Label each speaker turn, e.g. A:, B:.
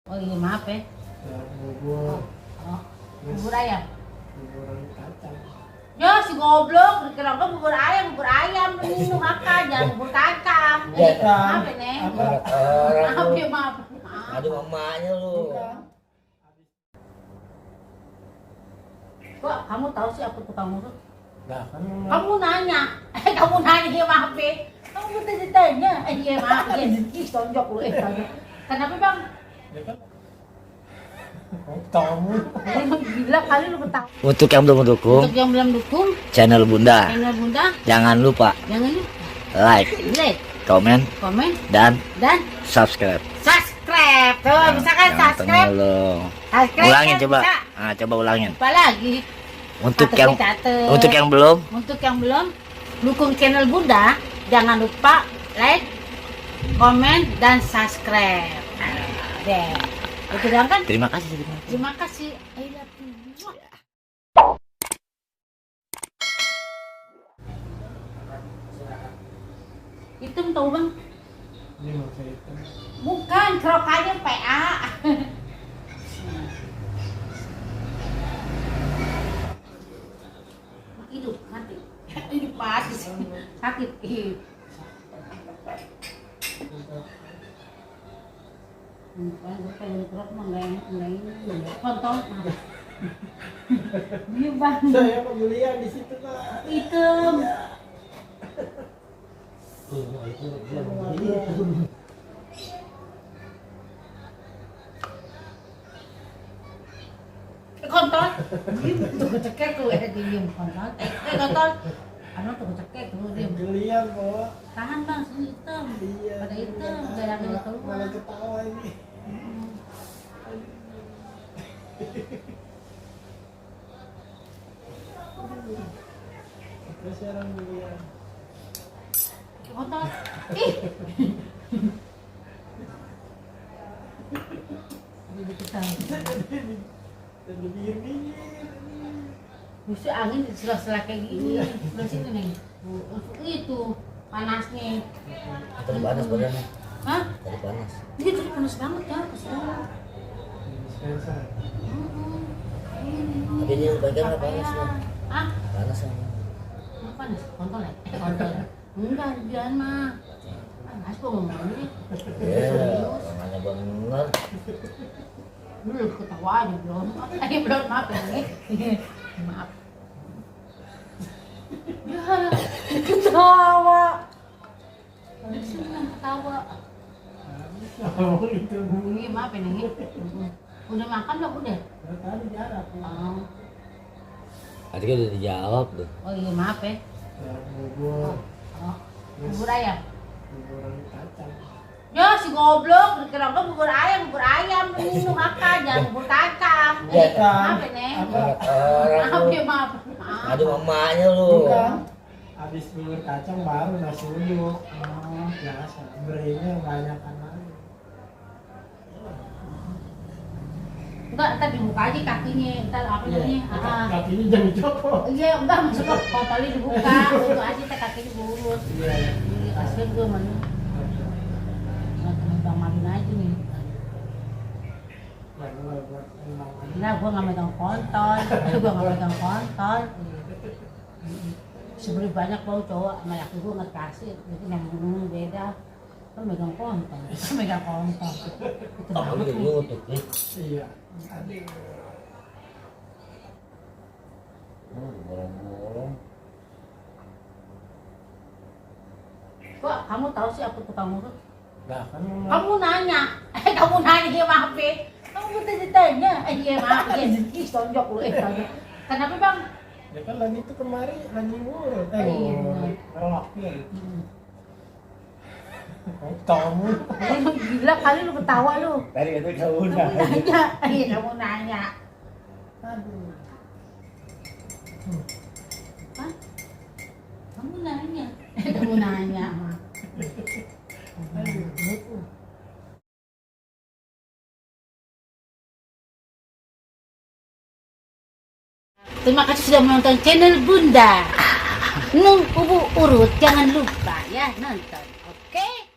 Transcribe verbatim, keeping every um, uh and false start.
A: Oh iya maaf ya.
B: Ya, bubur.
A: Oh, bubur ayam.
B: Bubur kacang.
A: Ya si goblok, dikira gua bubur ayam, bubur ayam ini makan, jangan bubur kacang. Eh,
B: Bukan.
A: maaf ya nih.
B: Apa?
C: Orang
A: Maaf
C: lu.
A: ya maaf. Maaf.
C: Aduh mamanya lu.
B: Bukan.
A: Kok kamu tahu sih aku tukang urut?
B: Nah, kan memang.
A: Kamu nanya, eh kamu nanya ya maaf ya. Kamu minta ditanya, eh iya maaf ya. Ih tonjok lu eh tonjok. Kenapa bang?
B: Ya kan. Kamu.
A: Emang gila kali lu ketawa.
C: Untuk yang belum mendukung
A: Untuk yang belum dukung,
C: channel Bunda,
A: channel Bunda,
C: jangan lupa
A: jangan lupa
C: like,
A: like,
C: komen,
A: komen,
C: dan
A: dan
C: subscribe.
A: subscribe. Tuh, bisa kan
C: Jangan
A: subscribe?
C: tengah lu.
A: Subscribe
C: Ulangin
A: kan
C: coba.
A: bisa.
C: Ah, coba ulangin.
A: Apa lagi?
C: Untuk
A: Catet,
C: yang
A: catet.
C: untuk yang belum,
A: Untuk yang belum dukung channel Bunda, jangan lupa like, komen, dan subscribe. Nah, deh. Itu doang kan?
C: terima kasih. Terima kasih.
A: Terima kasih. I love you. Hitam tahu bang?
B: Ini maksud itu.
A: Bukan, kerokannya P A. Hidup mati. Hidup mati sih. Sakit. Ih. Bukan, gue pengen kerok mah nggak enak, nggak ini. Kontol. Iya bang.
B: Saya pembelian di situ Pak.
A: Hitam.
B: Oh, itu belum.
A: Kontol. Tuh kecekek lu eh diem kontol. Eh eh, kontol. Anu tuh kecekek lu diem.
B: Pembelian Pak.
A: Tahan bang, sini hitam.
B: Iya.
A: Pada hitam, jarang yang keluar.
B: Malah ketawa ini. Terus sekarang pembelian.
A: Kontol. Ih. Jadi kita.
B: Dan lebih dingin.
A: Bisa angin di sela-sela kayak gini. Di sini nih. Itu panasnya.
C: Tadi panas badannya.
A: Hah?
C: Tadi panas.
A: Ini tadi panas banget ya, kesini.
B: Dispenser.
C: Tapi ini yang pegang nggak panas loh.
A: Ah,
C: Panas ya.
A: apa panas? Kontol ya? Eh, kontol. Enggak, jangan mah. Panas kok ngomongnya.
C: Iya, orangnya bener.
A: Lu ketawa aja belum. Eh, belum maaf ya nih. Maaf. Ya, ketawa. Senang ketawa.
B: Oh, itu.
A: Ini maaf ya nih. Udah makan belum? Udah?
B: Tadi jarak.
A: Oh,
C: Tadi kan udah dijawab tuh.
A: oh iya maaf ya.
B: Ya, bubur.
A: Oh, bubur ayam.
B: Bubur kacang.
A: Ya si goblok, dikira gua bubur ayam, bubur ayam ini lu makan, jangan bubur kacang. Eh,
B: Bukan.
A: maaf ya nih.
B: Apa?
C: Orang
A: Maaf
C: lu.
A: ya maaf. Maaf.
C: Aduh mamanya lu.
B: Bukan. Habis bubur kacang baru nasi uduk.
A: Oh,
B: Biasa. Berinya banyak kan lagi.
A: enggak, ntar dibuka aja kakinya, ntar apa namanya? Ah,
B: Kakinya jangan copot.
A: iya, enggak masuk ke kontolnya dibuka, untuk aja teh kakinya diurus.
B: Iya.
A: Iya, kasihan gua mana. Nggak temen Bang Madin aja nih.
B: Ya, gua buat emang aja.
A: Nah, gua nggak megang kontol, gua nggak megang kontol. Sebenarnya banyak bau cowok sama laki gua nggak kasih, jadi ngomong beda. Kan megang kontol, kan megang kontol. Itu
C: Oh,
A: banget
C: lu
A: nih.
C: lutut nih.
B: Iya.
C: Hmm, bolong-bolong.
A: Kok kamu tahu sih aku tukang urut?
B: Nah, kan memang.
A: Kamu nanya, eh kamu nanya ya maaf ya. Kamu minta ditanya, eh iya maaf ya. Ih tonjok lu eh tonjok. Kenapa bang?
B: Ya kan lagi itu kemari lagi ngurut. Eh,
A: Iya.
B: ngurut. Relaknya.
A: Hmm.
B: Kamu.
A: Emang gila kali lu ketawa lu.
C: Tadi itu kamu
A: Kamu nanya, iya kamu nanya.
B: Aduh.
A: Hah? Kamu nanya, eh kamu nanya.
B: Aduh.
A: Terima kasih sudah menonton channel Bunda. Nung Ubu Urut, jangan lupa ya nonton, oke?